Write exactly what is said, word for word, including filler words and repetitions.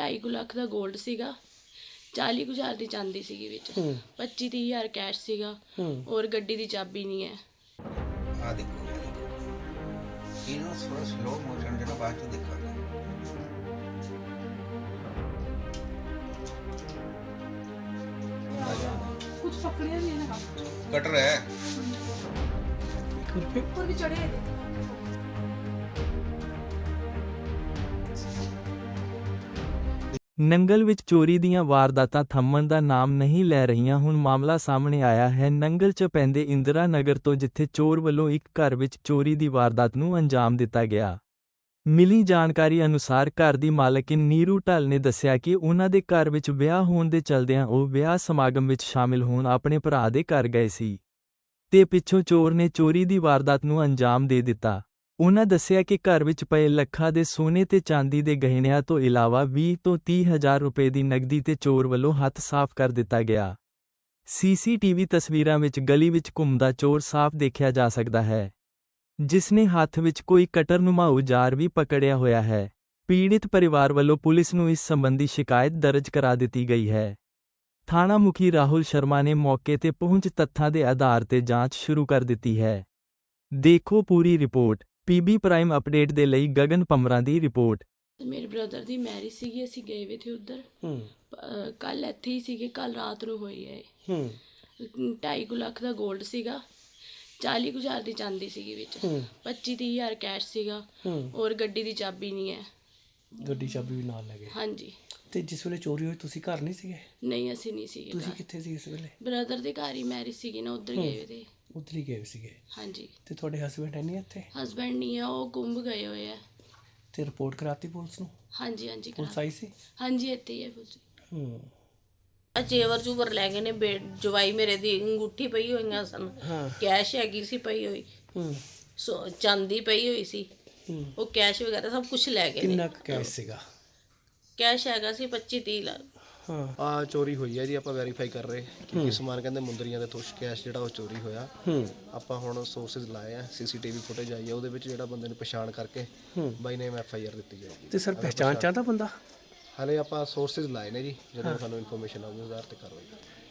ਢਾਈ ਕੁ ਲੱਖ ਦਾ ਗੋਲਡ ਸੀਗਾ, ਚਾਲੀ ਕੁ ਹਜ਼ਾਰ ਦੀ ਚਾਂਦੀ ਸੀਗੀ ਵਿੱਚ, ਪੱਚੀ ਤੀਹ ਹਜ਼ਾਰ ਕੈਸ਼ ਸੀਗਾ ਔਰ ਗੱਡੀ ਦੀ ਚਾਬੀ ਨਹੀਂ ਹੈ। ਆ ਦੇਖੋ ਇਹ ਦੇਖੋ ਇਹਨੂੰ ਥੋੜਾ ਸਲੋ ਮੋਸ਼ਨ ਜਿਹੜਾ ਬਾਅਦ ਚ ਦੇਖਾਂਗੇ। कुछ पकड़े भी है ना, कटर है ऊपर भी चढ़े हैं। ਨੰਗਲ ਵਿੱਚ ਚੋਰੀ ਦੀਆਂ ਵਾਰਦਾਤਾਂ ਥੰਮਣ ਦਾ ਨਾਮ ਨਹੀਂ ਲੈ ਰਹੀਆਂ। ਹੁਣ ਮਾਮਲਾ ਸਾਹਮਣੇ ਆਇਆ ਹੈ ਨੰਗਲ 'ਚ ਪੈਂਦੇ ਇੰਦਰਾ ਨਗਰ ਤੋਂ, ਜਿੱਥੇ ਚੋਰ ਵੱਲੋਂ ਇੱਕ ਘਰ ਵਿੱਚ ਚੋਰੀ ਦੀ ਵਾਰਦਾਤ ਨੂੰ ਅੰਜਾਮ ਦਿੱਤਾ ਗਿਆ। ਮਿਲੀ ਜਾਣਕਾਰੀ ਅਨੁਸਾਰ ਘਰ ਦੀ ਮਾਲਕਿਨ ਨੀਰੂ ਢੱਲ ਨੇ ਦੱਸਿਆ ਕਿ ਉਨ੍ਹਾਂ ਦੇ ਘਰ ਵਿੱਚ ਵਿਆਹ ਹੋਣ ਦੇ ਚਲਦਿਆਂ ਉਹ ਵਿਆਹ ਸਮਾਗਮ ਵਿੱਚ ਸ਼ਾਮਿਲ ਹੋਣ ਆਪਣੇ ਭਰਾ ਦੇ ਘਰ ਗਏ ਸੀ ਤੇ ਪਿੱਛੋਂ ਚੋਰ ਨੇ ਚੋਰੀ ਦੀ ਵਾਰਦਾਤ ਨੂੰ ਅੰਜਾਮ ਦੇ ਦਿੱਤਾ। ਉਨ੍ਹਾਂ ਦੱਸਿਆ ਕਿ ਘਰ ਵਿੱਚ ਪਏ ਲੱਖਾਂ ਦੇ ਸੋਨੇ ਤੇ ਚਾਂਦੀ ਦੇ ਗਹਿਣਿਆਂ ਤੋਂ ਇਲਾਵਾ ਵੀਹ ਤੋਂ ਤੀਹ ਹਜ਼ਾਰ ਰੁਪਏ ਦੀ ਨਕਦੀ ਤੇ ਚੋਰ ਵੱਲੋਂ ਹੱਥ ਸਾਫ਼ ਕਰ ਦਿੱਤਾ ਗਿਆ। ਸੀਸੀਟੀਵੀ ਤਸਵੀਰਾਂ ਵਿੱਚ ਗਲੀ ਵਿੱਚ ਘੁੰਮਦਾ ਚੋਰ ਸਾਫ਼ ਦੇਖਿਆ ਜਾ ਸਕਦਾ ਹੈ, ਜਿਸ ਨੇ ਹੱਥ ਵਿੱਚ ਕੋਈ ਕਟਰਨੁਮਾ ਔਜ਼ਾਰ ਵੀ ਪਕੜਿਆ ਹੋਇਆ ਹੈ। ਪੀੜਿਤ ਪਰਿਵਾਰ ਵੱਲੋਂ ਪੁਲਿਸ ਨੂੰ ਇਸ ਸੰਬੰਧੀ ਸ਼ਿਕਾਇਤ ਦਰਜ ਕਰਾ ਦਿੱਤੀ ਗਈ ਹੈ। ਥਾਣਾ ਮੁਖੀ ਰਾਹੁਲ ਸ਼ਰਮਾ ਨੇ ਮੌਕੇ ਤੇ ਪਹੁੰਚ ਤੱਥਾਂ ਦੇ ਆਧਾਰ ਤੇ ਜਾਂਚ ਸ਼ੁਰੂ ਕਰ ਦਿੱਤੀ ਹੈ। ਦੇਖੋ ਪੂਰੀ ਰਿਪੋਰਟ। ਪੀਬੀ ਪ੍ਰਾਈਮ ਅਪਡੇਟ ਦੇ ਲਈ ਗਗਨ ਪੰਮਰਾਂ ਦੀ ਰਿਪੋਰਟ। ਮੇਰੇ ਬ੍ਰਦਰ ਦੀ ਮੈਰਿਜ ਸੀਗੀ, ਅਸੀਂ ਗਏ ਵੇ ਥੇ ਉੱਧਰ, ਕੱਲ ਇੱਥੇ ਹੀ ਸੀਗੇ, ਕੱਲ ਰਾਤ ਨੂੰ ਹੋਈ ਹੈ। ਢਾਈ ਕੁ ਲੱਖ ਦਾ ਗੋਲਡ ਸੀਗਾ, ਚਾਲੀ ਕੁ ਹਜ਼ਾਰ ਦੀ ਚਾਂਦੀ ਸੀਗੀ ਵਿੱਚ, ਪੱਚੀ ਤੀਹ ਹਜ਼ਾਰ ਕੈਸ਼ ਸੀਗਾ ਔਰ ਗੱਡੀ ਦੀ ਚਾਬੀ ਨਹੀਂ ਹੈ। ਗੱਡੀ ਚਾਬੀ ਵੀ ਨਾਲ ਲੈ ਗਏ। ਹਾਂਜੀ। ਤੇ ਜਿਸ ਵੇਲੇ ਚੋਰੀ ਹੋਈ ਤੁਸੀਂ ਘਰ ਨਹੀਂ ਸੀਗੇ? ਨਹੀਂ, ਅਸੀਂ ਨਹੀਂ ਸੀਗੇ। ਤੁਸੀਂ ਕਿੱਥੇ ਸੀ ਇਸ ਵੇਲੇ? ਬ੍ਰਦਰ ਦੇ ਘਰ ਹੀ ਮੈਰਿਜ ਸੀਗੀ ਨਾ, ਉੱਧਰ ਗਏ ਵੇ ਤੇ। ਉੱਧਰ ਹੀ ਗਏ ਸੀਗੇ? ਹਾਂਜੀ। ਤੇ ਤੁਹਾਡੇ ਹਸਬੈਂਡ ਹੈ ਨਹੀਂ ਇੱਥੇ? ਹਸਬੈਂਡ ਨਹੀਂ ਆ, ਉਹ ਗੁੰਮ ਗਏ ਹੋਏ ਆ। ਤੇ ਰਿਪੋਰਟ ਕਰਾਤੀ ਪੁਲਿਸ ਨੂੰ? ਹਾਂਜੀ ਹਾਂਜੀ। ਪੁਲਿਸ ਆਈ ਸੀ? ਹਾਂਜੀ, ਇੱਥੇ ਹੀ ਹੈ ਪੁਲਿਸ। ਹੂੰ। ਚੇਵਰ ਚੂਵਰ ਲੈ ਗਏ ਨੇ, ਬੇ ਜਵਾਈ ਮੇਰੇ ਦੀ ਅੰਗੂਠੀ ਪਈ ਹੋਈਆਂ ਸਨ, ਕੈਸ਼ ਹੈਗੀ ਸੀ ਪਈ ਹੋਈ, ਸੋ ਚਾਂਦੀ ਪਈ ਹੋਈ ਸੀ, ਉਹ ਕੈਸ਼ ਵਗੈਰਾ ਸਭ ਕੁਝ ਲੈ ਗਏ। ਕਿੰਨਾ ਕੈਸ਼ ਸੀਗਾ? ਕੈਸ਼ ਹੈਗਾ ਸੀ ਪੱਚੀ ਤੀਹ ਲੱਖ। ਹਾਂ। ਆ ਚੋਰੀ ਹੋਈ ਹੈ ਜੀ, ਆਪਾਂ ਵੈਰੀਫਾਈ ਕਰ ਰਹੇ ਕਿ ਸਮਾਨ ਕਹਿੰਦੇ ਮੁੰਦਰੀਆਂ ਦੇ ਤੁਸ਼ ਕੈਸ਼ ਜਿਹੜਾ ਉਹ ਚੋਰੀ ਹੋਇਆ। ਆਪਾਂ ਹੁਣ ਸੋਰਸਿਸ ਲਾਏ ਆ, ਸੀਸੀਟੀਵੀ ਫੁਟੇਜ ਆਈ ਹੈ, ਉਹਦੇ ਵਿੱਚ ਜਿਹੜਾ ਬੰਦੇ ਨੂੰ ਪਛਾਣ ਕਰਕੇ ਬਾਈ ਨੇਮ ਐਫ ਆਈ ਆਰ ਦਿੱਤੀ ਜਾਏਗੀ। ਤੇ ਸਰ ਪਹਿਚਾਣ ਚਾਹਦਾ ਬੰਦਾ? ਹਾਲੇ ਆਪਾਂ ਸੋਰਸਿਸ ਲਾਏ ਨੇ ਜੀ, ਜਦੋਂ ਸਾਨੂੰ ਇਨਫੋਰਮੇਸ਼ਨ ਆਊਗੀ ਉਸ ਆਧਾਰ ਤੇ ਕਾਰਵਾਈ ਕਰਾਂਗੇ।